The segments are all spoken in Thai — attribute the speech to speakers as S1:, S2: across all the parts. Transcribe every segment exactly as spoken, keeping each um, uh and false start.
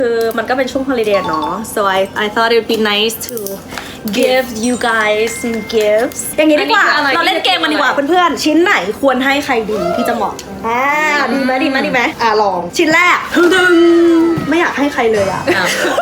S1: คือมันก็เป็นช่วง holiday เนาะ so I I thought it would be nice to give you guys some gifts อย่างงี้ดีกว่าเราเล่นเกมมันดีกว่าเพื่อนๆชิ้นไหนควรให้ใครดีที่จะเหมาะอ่าดีไหมดีไหมดีไหมอ่าลองชิ้นแรกดึงไม่อยากให้ใครเลยอ่ะ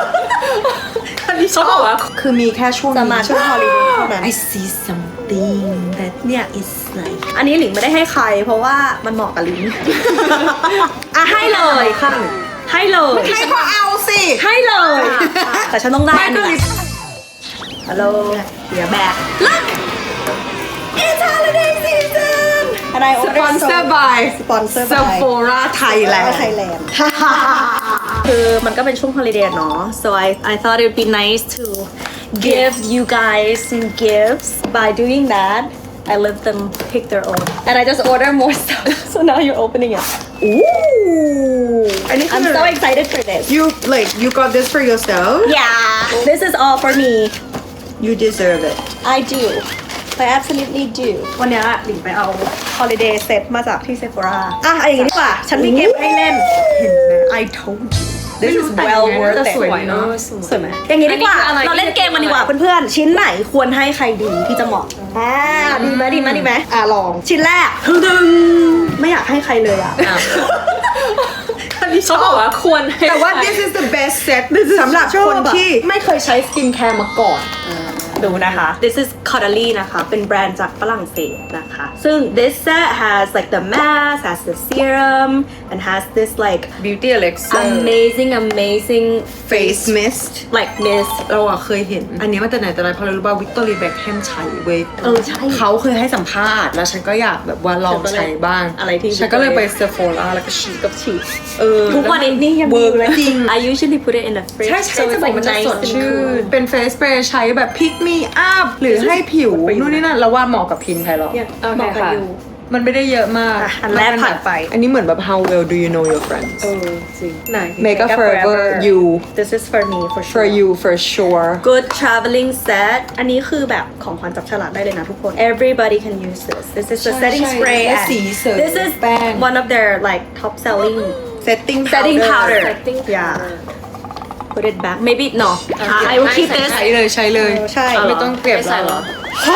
S2: เขาบอกว่าคือมีแค่ช่วง
S1: จะมาช่วง holiday เท่านั้น
S2: I see something that
S1: เนี่ย is like อันนี้หลิงไม่ได้ให้ใครเพราะว่ามันเหมาะกับหลิง อ่ะให้เลยค่ะให้เลย
S2: ให้ก็เอาสิ
S1: ให้เลยแต่ฉันต้องได้อันนี้ฮัลโหลเดี๋ยวแบก Look it's holiday season and I ordered
S2: Sponsor by
S1: sponsor by
S2: Sephora Thailand
S1: Thailand คือมันก็เป็นช่วง holiday เนาะ so I I thought it would be nice to give you guys some gifts by doing that I let them pick their own and I just order more stuff so now you're opening it
S2: Ooh
S1: I'm so excited for this
S2: You like you got this for yourself
S1: yeah this is all for me
S2: You deserve it
S1: I do I absolutely do วันนี้หลิงไปเอา holiday set มาจากที่ Sephora อ่ะอย่างนี้ดีกว่าฉันมีเกมให้เล่นเห็นไหม I told you This is well worth it
S2: สวยเนาะ
S1: สวยไหมอย่างนี้ดีกว่าเราเล่นเกมมันดีกว่าเพื่อนๆชิ้นไหนควรให้ใครดีที่จะเหมาะอ่าดีไหมดีไหมดีไหมอ่าลองชิ้นแรกดึงไม่อยากให้ใครเลยอ่ะ
S3: เขาบอกว่าควรให้
S2: แต่ว่า this is the best set สำหรับคนที่ไม่เคยใช้สกินแคร์มาก่อน
S1: ดูนะคะ this is Caudalie นะคะเป็นแบรนด์จากฝรั่งเศสนะคะซึ่ง this set has like the mask has the serum and has this like
S3: beauty elixir
S1: amazing amazing
S2: face mist
S1: like mist
S2: เราอะเคยเห็นอันนี้มาแต่ไหนแต่ไรเพราะเรารู้ว่าวิกตอเรียแบ็คแฮมใช้เว้ย
S1: เออใช่
S2: เขาเคยให้สัมภาษณ์แล้วฉันก็อยากแบบว่าลองใช้บ้าง
S1: อะไรที่
S2: ฉันก็เลยไปเซฟโฟล่าแล้วก็ฉีด
S1: กับฉีด
S2: เออ
S1: ทุกวันนี้นี่ยังมีอยู่เลย
S2: จริง
S1: I usually put it in the fridge
S2: ใช่ใช่
S1: so
S2: จะ
S1: it's
S2: บอก
S1: like
S2: มันจะ
S1: nice
S2: ส
S1: and
S2: ดชื่
S1: cool
S2: นเป็นเฟสสเปรย์ใช้แบบพิกมีอัพหรือให้ผิวนู่นนี่นั่นแล้วว่าเหมาะกับพินไทยหรอ
S1: เนี่ย
S3: โอเค
S1: เหมาะกับ
S3: ค่ะ
S1: ยู
S2: มันไม่ได้เยอะมาก
S1: อ่ะอันแรกผ่านไป
S2: อันนี้เหมือนแบบ how well do you know your friends
S3: เออจริงไหน
S2: Make up forever you
S1: this is for me for sure
S2: for you for sure
S1: good traveling set อันนี้คือแบบของขวัญจับฉลากได้เลยนะทุกคน everybody can use this this is the
S2: ใช่
S1: setting
S2: ใช่
S1: spray
S2: และ
S1: and
S2: สีเสริม
S1: this is
S2: แป้ง
S1: one of their like top selling
S2: setting
S1: setting powder
S3: Setting
S1: yeah
S3: powder
S1: put it back maybe no I will keep this
S2: ใช้เลยใช้เลย
S1: ใช่
S2: ไม่ต้องเก็บ
S3: ไม่ใส่เหรอ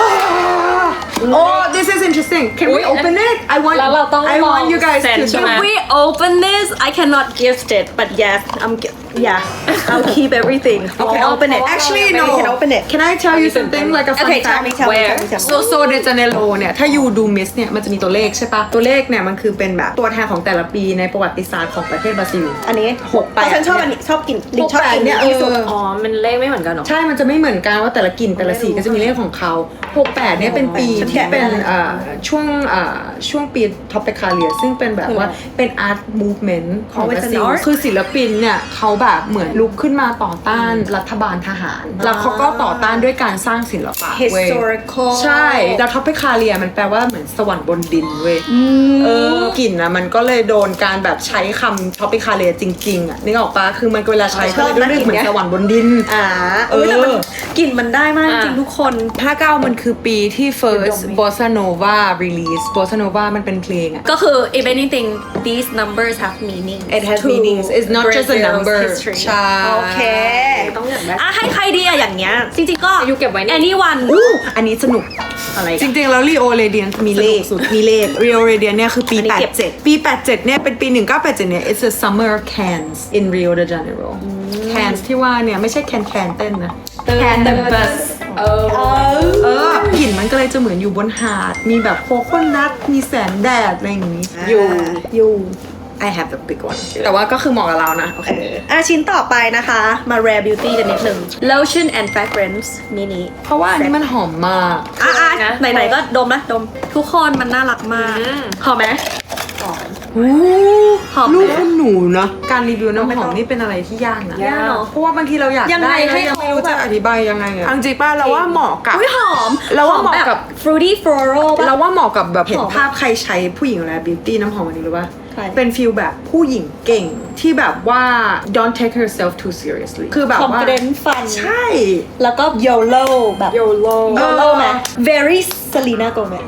S2: Oh this is interesting can we open it I want
S3: แล้วเราต้อง
S2: I want you guys
S3: เซ็น
S2: to
S3: ใช่ไหม
S1: if we open this I cannot gift it but yes I'm gi- yeah I'll keep everything
S2: Okay,
S1: I'll open it
S2: actually
S1: Maybe
S2: no
S1: you can open it
S2: Can I tell you something like a fun
S1: okay tell
S2: fact
S1: me tell me
S3: Where?
S1: tell me tell me
S2: so so de Janeiro เนี่ยถ้ายูดูมิสเนี่ยมันจะมีตัวเลขใช่ปะตัวเลขเนี่ยมันคือเป็นแบบตัวแทนของแต่ละปีในประวัติศาสตร์ของประเทศบราซิล
S1: อันนี้
S2: หกแปด
S1: ฉันชอบอันนี้ชอบกินลิงชอบกิน
S2: เนี่ย
S1: ที่สุด
S2: เออ
S3: อ๋อมันเลขไม่เหมือนกันเหรอ
S2: ใช่มันจะไม่เหมือนกันว่าแต่ละกลิ่นแต่ละสีก็จะมีเลขของเขาหกแปดเนี่ยเป็นปีที่เป็นเอ่อช่วงเอ่อช่วงปีท็อปเปคาเลียซึ่งเป็นแบบว่าเป็นอาร์ตมูฟเมนต์ของบราซิลคือศิลปินเนี่ยเขาแบบเหมือนลุกขึ้นมาต่อต้านรัฐบาลทหาร แล้วเขาก็ต่อต้านด้วยการสร้างศิลปะเว้ย
S1: historical
S2: ใช่แล้วท็อปเปคาเลียมันแปลว่าเหมือนสวรรค์บนดินเว้ยเออกลิ่นนะมันก็เลยโดนการแบบใช้คำท็อปเปคาเลียจริงๆอ่ะนึกออกปะคือมันเวลาใช้ก็เลยรู้สึกเหมือนสวรรค์บนดิน
S1: อ่า
S2: เออ
S1: แต่มันกลิ่นมันได้มากจริงทุกคน
S2: ห้าเก้ามันคือปีที่ first bossa nova release bossa nova มันเป็นเพลงอะ
S1: ก็คือ if anything these numbers have meaning
S2: It has meanings. It's not just a number. ใช่
S1: โอเค
S3: ต้องอยากได้
S1: อ่ะให้ใครดีอะอย่างเงี้ยจริงๆก็
S3: อยู่เก็บไว้นี่
S1: anyone
S2: อู้อันนี้สนุก
S1: อะไร
S2: จริงๆ แล้ว Rio Radiant มีเลข
S1: สนุกสุด
S2: มีเลข Rio Radiant เนี่ยคือปี
S1: อันนี้
S2: แปด
S1: เก็บ
S2: เจ็ดปี แปดเจ็ดเนี่ยเป็นปี หนึ่งเก้าแปดเจ็ดเนี่ย it's a summer Cannes in Rio de Janeiro Cannes ที่ว่าเนี่ยไม่ใช่แคนแคนเต้นนะ Can the bus
S3: เออ
S2: เออกลิ่นมันก็เลยจะเหมือนอยู่บนหาด มีแบบโคโคนัทมีแสงแดดอะไรอย่างนี้
S1: อยู่อยู่
S2: I have the big one แต่ว่าก็คือเหมาะกับเรานะ โอเค
S1: อ่ะชิ้นต่อไปนะคะ มา rare beauty กันนิดนึง lotion and fragrance มินิ
S2: เพราะว่าอันนี้มันหอมมาก
S1: อ่ะอ่ะ
S3: นะ
S1: ไหนๆก็ดมนะดมทุกคนมันน่ารักมาก
S3: อืม
S1: หอมไหม
S2: โอ้
S1: หอมไหม
S2: ลูกคุณหนูเนาะการรีวิวน้ำหอมนี่เป็นอะไรที่ยากนะ
S1: ยากเนอะ
S2: เพราะว่าบางทีเราอยาก
S1: ยังไง
S2: ได้
S1: ให้
S2: ให้
S1: เขา
S2: ไม่รู้จะอธิบายยังไงอะจริงๆป้าเราว่าเหมาะกับ
S1: อุ้ยหอม
S2: เราว่าเหมาะกับ
S1: แบบ fruity floral ป่ะ
S2: เราว่าเหมาะกับแบบเห็น
S1: หอม
S2: ภาพใครใช้ผู้หญิงอะไรบิวตี้น้ำหอมอันนี้หรือว่า
S1: ใคร
S2: เป็นฟีลแบบผู้หญิงเก่งที่แบบว่า don't take herself too seriously คือแบบว่า
S1: confident fun
S2: ใช่
S1: แล้วก็ YOLO แบบ
S3: YOLO
S1: YOLO ไหม very Selena Gomez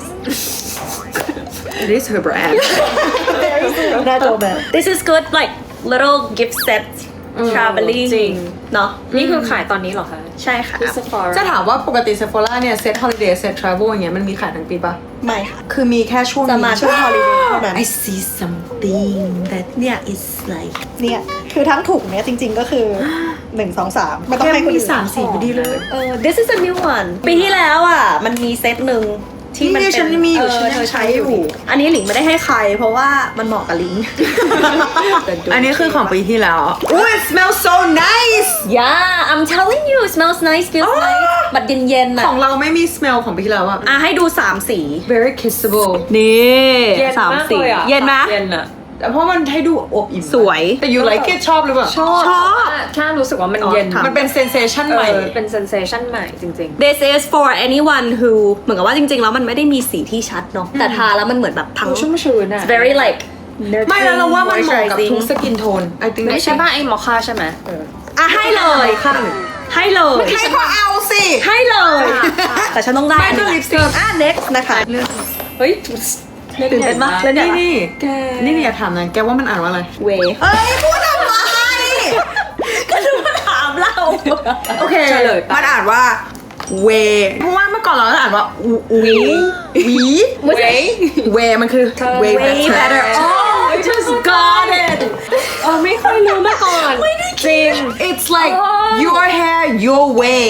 S2: it is her brand
S1: very Selena Gomez this is good like little gift sets traveling
S3: จริง
S1: เนาะ
S3: นี่คือขายตอนนี้เหรอคะ
S1: ใช่ค่ะ
S3: ที่ Sephora
S2: จะถามว่าปกติ Sephora เนี่ยเซต holiday เซต travel อย่างเงี้ยมันมีขายทั้งปีปะ
S1: ไม่ค่ะ
S2: คือมีแค่ช่วง
S1: จะมาช่วง holiday เท่านั้น
S2: I see something that เนี่ย is like
S4: เนี่ยคือทั้งถุงเนี่ยจริงๆก็คือหนึ่งสองสามไม่ต้อง
S2: แค่
S4: ให้คน
S2: มี
S4: อื่น
S2: สามสีพอดีเลย
S1: เออ this is a new one ปีที่แล้วอ่ะ มันมีเซตหนึ่งที่มัน
S2: นี่
S1: เป็
S2: ฉันมีอยู่
S1: เ
S2: ฉันยัง
S1: เธอ
S2: ใช้อยู่
S1: อันนี้หลิงไม่ได้ให้ใคร เพราะว่ามันเหมาะกับหลิง
S2: อันนี้คือของปีที่แล้วอุ้ย it smells so nice
S1: yeah I'm telling you it smells nice feels nice บัดเย็นๆอ่ะ
S2: ของเราไม่มี smell ของปีที่แล้วอะ
S1: อ่ะให้ดูสามสี
S2: very kissable
S1: นี่
S3: เย็น
S1: สาม
S3: มาก
S1: สี
S3: เลยอ่ะ
S1: เย็นไหม
S3: เย็นอ่ะ
S2: แต่เพราะมันให้ดูอบอิ่ม
S1: สวย
S2: แต่ you like it ชอบหรือเปล่า
S3: ชอบ
S1: ชอบ
S3: แค่รู้สึกว่ามัน
S1: อ๋อ
S3: เย็น
S1: ถาม
S2: มันเป็น sensation
S3: เอ
S2: ใหม่
S3: อเป็น sensation ใหม่จริง
S1: This is for anyone who เหมือนกับว่าจริงๆ แล้วมันไม่ได้มีสีที่ชัดเนาะแต่ทาแล้วมันเหมือนแบบพัง
S3: ๆชุ่มชื้นอ่ะ
S1: It's very like
S2: ไม่แล้วเราว่ามันเหมาะกับทุก
S1: moisturizing
S2: สกินโทน I think
S3: ไม่ใช่ป่ะไอ้มอคค่าใช่ไหม
S1: อ่ะให้เลย
S2: ข้างหนึ่ง
S1: ให้เลย
S2: ให้ก็เอาสิ
S1: ให้เลย แต่ฉันต้องได้
S2: ไม่ก็
S1: อันนี้
S2: ลิปสติก
S1: อ่ะ next นะคะ
S3: เฮ้ย
S1: ตื่นเต้นปะแล้วเนี่ย
S2: นี่นี่
S3: แก
S2: นี่นี่อยากถามนะแกว่ามันอ่านว่าอะไร
S1: เว
S2: เอ้ยพูดทำไม
S1: ก็ดูมาถามเรา
S2: โอเค
S3: เฉลยไป
S2: มันอ่านว่าเวเพราะว่าเมื่อก่อนเราอ่านว่าวีวี
S3: เว้ย
S2: เวมันคือ way
S1: way better oh I just got it
S3: เออไม่ค่อยรู้มาก่อนจริง
S2: it's like your hair your way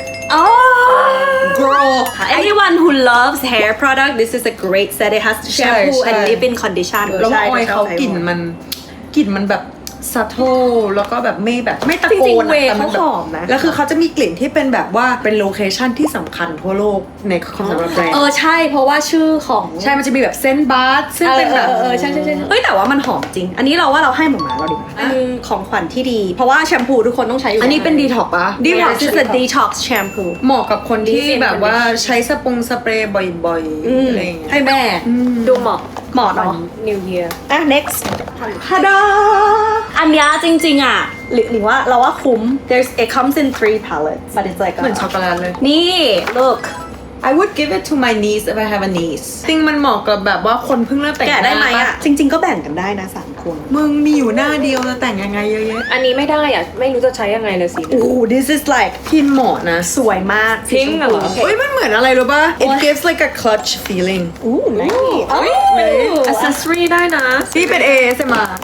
S1: oh
S2: girl
S1: anyone who loves hair product this is a great set it has shampoo
S2: ใช่
S1: and leave-in condition
S2: แล้วว่าออยเขากลิ่น
S1: ใช่
S2: มันกลิ่นมันแบบซัตโตแล้วก็แบบไม่แบบไม่ตะโกน
S1: จริงๆ
S2: อะ
S1: เวย์
S2: แต่มันแบบ
S1: เขาหอมนะ
S2: แล้วคือเขาจะมีกลิ่นที่เป็นแบบว่าเป็นโลเคชั่นที่สำคัญทั่วโลกในของสำหรับแบรน
S1: เอ
S2: ด์
S1: อใช่เพราะว่าชื่อของ
S2: ใช่ มันจะมีแบบเส้นบาร์ซึ่งเป็นแบบ
S1: เออเออเออใช่ใช่ใช่เฮ้ยแต่ว่ามันหอมจริง อันนี้เราว่าเราให้หมอหมาเราดีกว่าเป็นของขวัญที่ดี เพราะว่าแชมพูทุกคนต้องใช้อยู่
S2: อันนี้เป็นดีท็อกปะ
S1: ดีท็อก
S2: Yes,
S1: ซ์ is a detox shampoo
S2: เหมาะกับคนที่
S3: Leave-in
S2: แบบว่าใช้สปงสเปรย์บ่อย
S1: อืม
S2: ๆอะไรอย่างเงี้ย
S1: ให้แม่
S3: ดูเหมาะ
S1: เหมาะเนาะ
S3: New Year
S1: อ่ะ next ฮาดาอันเนี้ยจริง ๆ อ่ะหรือหรือว่าเราว่าคุ้ม there's it comes in three palettes but it's like a-
S2: เหมือนช็อกโกแลตเลย
S1: นี่ look
S2: I would give it to my niece if I have a niece จริงมันเหมาะกับแบบว่าคนเพิ่งเริ่มแต่ง
S1: แกะได้ไหม
S2: น้า
S1: อ่ะ จริง ๆ ก็แบ่งกันได้นะสามคน
S2: มึงมีอยู่หน้าเดียวจะแต่งยังไงเยอะแยะ
S3: อันนี้ไม่ได้อ่ะ ไม่รู้จะใช้ยังไงเลยสิ
S1: โอ้ this is like
S2: พินเหมาะนะ
S1: สวยมาก
S3: พิงค์เหรอ
S2: เฮ้ยมันเหมือนอะไรรู้ป่ะ It gives like a clutch feeling
S1: อู้ nice
S3: เอ้ย accessory ได้นะ
S2: ที่เป็น A S M R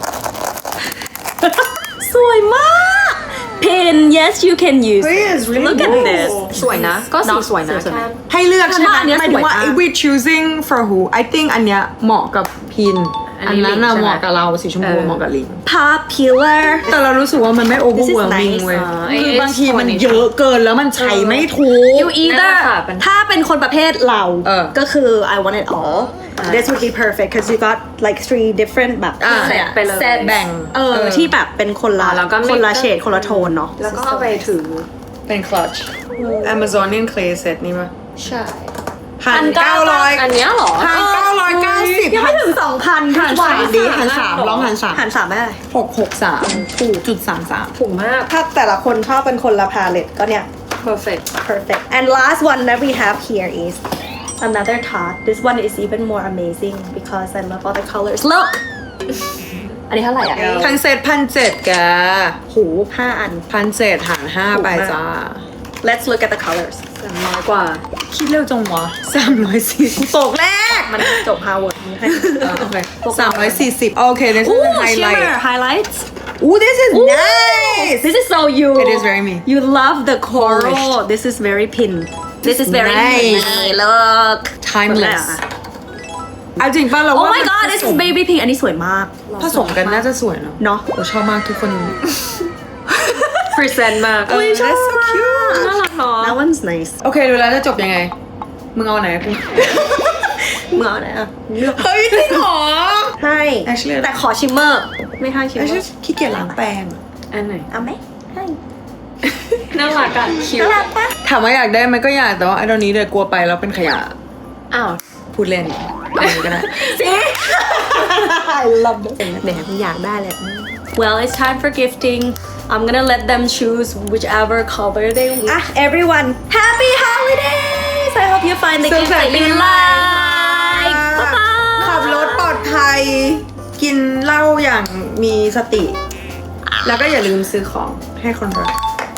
S1: สวยมาก pin yes you can use
S2: เฮ้ย it's really
S1: look at
S2: nice
S1: this
S3: สวยนะ ก็สีสวยนะ
S1: สวยๆ
S3: แค่
S2: ให้เลือกใช่ไหม
S1: ฉันว่าอันเนี้ย
S2: หมายถึงว่า
S1: สวยมาก
S2: if we choosing for who I think อันเนี้ยเหมาะกับพิน
S3: อั
S2: อั
S3: น
S2: น
S3: นี้
S2: นั้นน่ะ
S3: ลิงใช่ไหม
S2: เหมาะกับเราสีชมพู
S3: เออ
S2: เหมาะกับลิง
S1: popular
S2: แต่เรารู้สึกว่ามันไม่ overwhelming
S1: nice
S2: เว้ย
S3: อ่า
S2: คือบางทีมัน
S3: ไอ้
S2: เยอะเกินแล้วมันใช้ไม่ถูก
S1: you either
S3: นั่นแหละค่ะเป็น
S1: ถ้าเป็นคนประเภทเรา
S2: เออ
S1: ก็คือ I want it all this would be perfect because you got like three different แบบ
S2: อ่า
S1: อะไรอะ
S3: ไปเลย
S1: set
S2: แบ่ง
S1: เออ
S2: เออ
S1: ที่แบบเป็นคนละ
S3: อ่าแล้วก็ไม่
S1: คนละเฉดคนละโทนเนาะ
S3: แล้วก็เอาไปถือ
S2: เป็น clutch Amazonian clay set นี่ปะ
S1: ใช่
S2: พันเก้าร้อย
S3: อันเนี้ยเหรอ
S2: พันเก้าร้อยเก้าสิบ
S1: ยังไม่ถึงสองพัน
S2: หันสามดีหันสามลองหันสาม
S1: หันสามไม่ได้
S2: หกหกสามถูกจุดสามสาม
S3: ถูกมาก
S1: ถ้าแต่ละคนชอบเป็นคนละพาเลตก็เนี่ย
S3: perfect
S1: perfect and last one that we have here is another top this one is even more amazing because I love all the colors look อันนี้เท่าไหร่อ่ะ
S2: ทั้งเซตพันเจ็ดแก
S1: หูห้าอัน
S2: พันเจ็ดหารห้าไปจ้า
S1: let's look at the colors
S3: สามร้อยกว่า
S2: คิดเร็วจังวะสามร้อยสี่สิบตกแรก
S1: มันจบ Harvard ให้
S2: โอเคสามร้อยสี่สิบโอเค this is
S1: Ooh,
S2: the highlight
S1: shimmer highlights
S2: Ooh this is nice
S1: this is so you
S2: It is very me.
S1: you love the coral this is very pin this is very
S2: Nice.
S1: pin look
S2: timeless เอาจริงป่ะเรา
S1: oh
S2: ว่า
S1: my god this is baby pink อันนี้สวยมาก
S2: ผสมกันน่าจะสวยเนาะ
S1: เนาะ
S2: เราชอบมากทุกคน
S3: present มาก
S2: เออ that's so cute
S3: น่ารักเนาะ
S1: that one's nice
S2: โอเคดูแล้วจะจบยังไง มึงเอาไหนกู
S1: มึงเอาไหนอ่ะเลือก
S2: เฮ้ยจริงเหรอ
S1: ให้
S2: Actually
S1: แต่ขอชิมเมอร์ ไม่ให้ชิม
S2: ไอ้
S1: เมอ
S2: ฉัน
S1: ร์
S2: ขี้เกียจล้างแปรงอะ
S3: อันไหน
S1: เอาไหมให้
S3: น่ารักอะคิว
S1: น่ารักปะ
S2: ถามว่าอยากได้ไหมก็อยากแต่ว่าไอ้ตอนนี้เลยกลัวไปแล้วเป็นขยะ
S3: อ้าว
S2: พูดเล่นเอาอย่างนี้ก็ได้
S1: I love this แหมมึงอยากได้เลย well it's time for gifting I'm gonna let them choose whichever color they want อ่ะ everyone happy holidays I hope you find the gift that you like bye bye
S2: ขับรถปลอดภัย กินเหล้าอย่างมีสติ
S1: I
S2: แล้วก็อย่าลืมซื้อของให้คนรัก